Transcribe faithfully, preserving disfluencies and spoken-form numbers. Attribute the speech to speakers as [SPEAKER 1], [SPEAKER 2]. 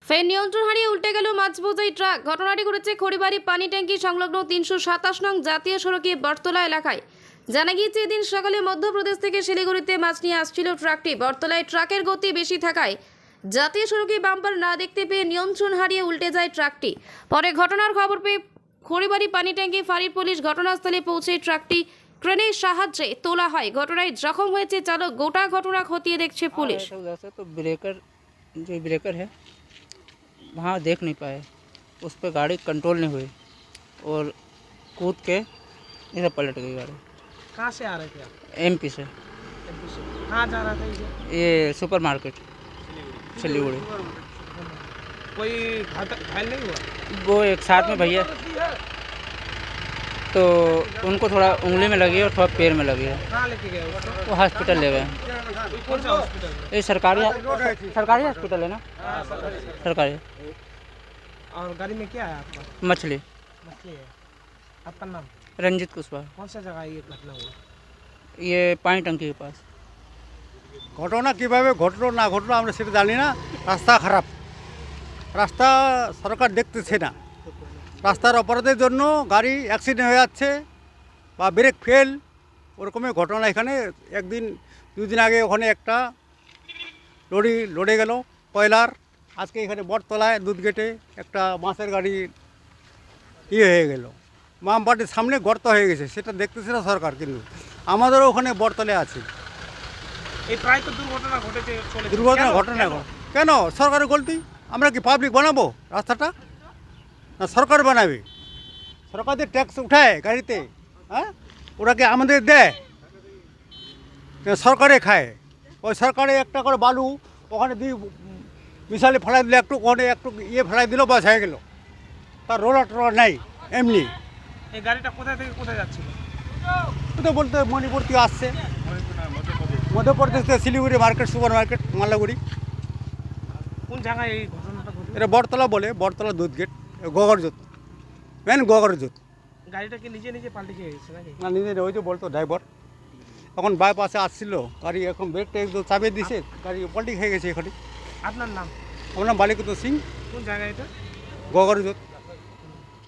[SPEAKER 1] ফের নিয়ন্ত্রণ হারিয়ে উল্টে গেল মাছ বোঝাই ট্রাক। ঘটনাটি ঘটেছে খড়িবাড়ি পানি ট্যাঙ্কি সংলগ্ন তিনশো সাতাশ নং জাতীয় সড়কে বটতলা এলাকায়। জানা গিয়েছে এদিন সকালে মধ্যপ্রদেশ থেকে শিলিগুড়িতে মাছ নিয়ে আসছিল ট্রাকটি। বটতলায় ট্রাকের গতি বেশি থাকায় জাতীয় সড়কে বাম্পার না দেখতে পেয়ে নিয়ন্ত্রণ হারিয়ে উল্টে যায় ট্রাকটি। পরে ঘটনার খবর পেয়ে খড়িবাড়ি পানি ট্যাঙ্কি ফাঁড়ির পুলিশ ঘটনাস্থলে পৌঁছে ট্রাকটি ক্রেনের সাহায্যে তোলা হয়। ঘটনায় জখম হয়েছে চালক। গোটা ঘটনা খতিয়ে দেখছে পুলিশ।
[SPEAKER 2] तो ब्रेकर जो ब्रेकर है वहाँ देख नहीं पाए, उस पर गाड़ी कंट्रोल नहीं हुई और कूद के इधर पलट गई गाड़ी।
[SPEAKER 3] कहाँ से आ रहे थे आप?
[SPEAKER 2] एमपी से।
[SPEAKER 3] एमपी से कहाँ जा रहा था ये?
[SPEAKER 2] ये सुपर मार्केट सिलीगुड़ी।
[SPEAKER 3] कोई घात- घायल नहीं हुआ?
[SPEAKER 2] वो एक साथ में भैया, तो उनको थोड़ा उंगली में लगी और थोड़ा पैर में लगी है।
[SPEAKER 3] कहाँ लेके गए उसको?
[SPEAKER 2] वो हॉस्पिटल ले गए।
[SPEAKER 3] कौन सा हॉस्पिटल में?
[SPEAKER 2] ये सरकारी सरकारी हॉस्पिटल है ना,
[SPEAKER 3] हाँ, सरकारी।
[SPEAKER 2] सरकारी।
[SPEAKER 3] और गाड़ी में क्या है आपका?
[SPEAKER 2] मछली।
[SPEAKER 3] मछली है। आपका नाम?
[SPEAKER 2] रंजित कुशवाहा।
[SPEAKER 3] कौन सा जगह ये घटना हुआ?
[SPEAKER 2] ये पानी टंकी के पास।
[SPEAKER 4] ঘটনা কিভাবে ঘটলো না ঘটলো আমরা সেটা জানি না। রাস্তা খারাপ, রাস্তা সরকার দেখতেছে না। রাস্তার অপরাধের জন্য গাড়ি অ্যাক্সিডেন্ট হয়ে যাচ্ছে বা ব্রেক ফেল, ওরকমের ঘটনা এখানে একদিন দুদিন আগে ওখানে একটা লরি লড়ে গেল কয়লার। আজকে এখানে বটতলায় দুধ গেটে একটা মাছের গাড়ি ইয়ে হয়ে গেল, মামবাটির সামনে গর্ত হয়ে গেছে, সেটা দেখতেছে না সরকার। কিন্তু আমাদেরও ওখানে বটতলায় আছে
[SPEAKER 3] এই প্রায় তো দুর্ঘটনা ঘটেছে চলেছে।
[SPEAKER 4] দুর্ঘটনা
[SPEAKER 3] কেন?
[SPEAKER 4] ঘটনা
[SPEAKER 3] কেন?
[SPEAKER 4] এখন কেন সরকারের গলতি? আমরা কি পাবলিক বানাবো রাস্তাটা? না সরকার বানাবে? সরকারদের ট্যাক্স উঠায় গাড়িতে, হ্যাঁ, ওরা কি আমাদের দেয়? না সরকারে খায়। ওই সরকারে একটা করে বালু ওখানে দিয়ে মিশালে ফেলাই দিলে, একটু ওখানে একটু ইয়ে ফেলাই দিল, বাস হয়ে গেল। তার রোলার টোলার নাই এমনি।
[SPEAKER 3] এই গাড়িটা কোথায় থেকে কোথায় যাচ্ছিল?
[SPEAKER 4] ও তো বলতে মণিপুর থেকে আসছে, মধ্যপ্রদেশ থেকে Siliguri market, super market, Mallaguri.
[SPEAKER 3] কোন জায়গায় এই ঘটনাটা ঘটলো?
[SPEAKER 4] এটা বটতলা বলে, বটতলা দুধ গেট, গগরজোত, মেন গগরজোত।
[SPEAKER 3] গাড়িটা কি নিজে নিজে পাল্টে খেয়ে গেছে নাকি?
[SPEAKER 4] না নিজে ওই যে বলতো ড্রাইভার এখন বাইপাসে আসছিল, গাড়ি এখন ব্রেকটা একদম চাপিয়ে দিছে, গাড়ি পল্টি খেয়ে গেছে এখানে।
[SPEAKER 3] আপনার নাম?
[SPEAKER 4] আমার নাম বালিকুদ্দ সিং,
[SPEAKER 3] কোন জায়গায় এটা?
[SPEAKER 4] গগরজোত।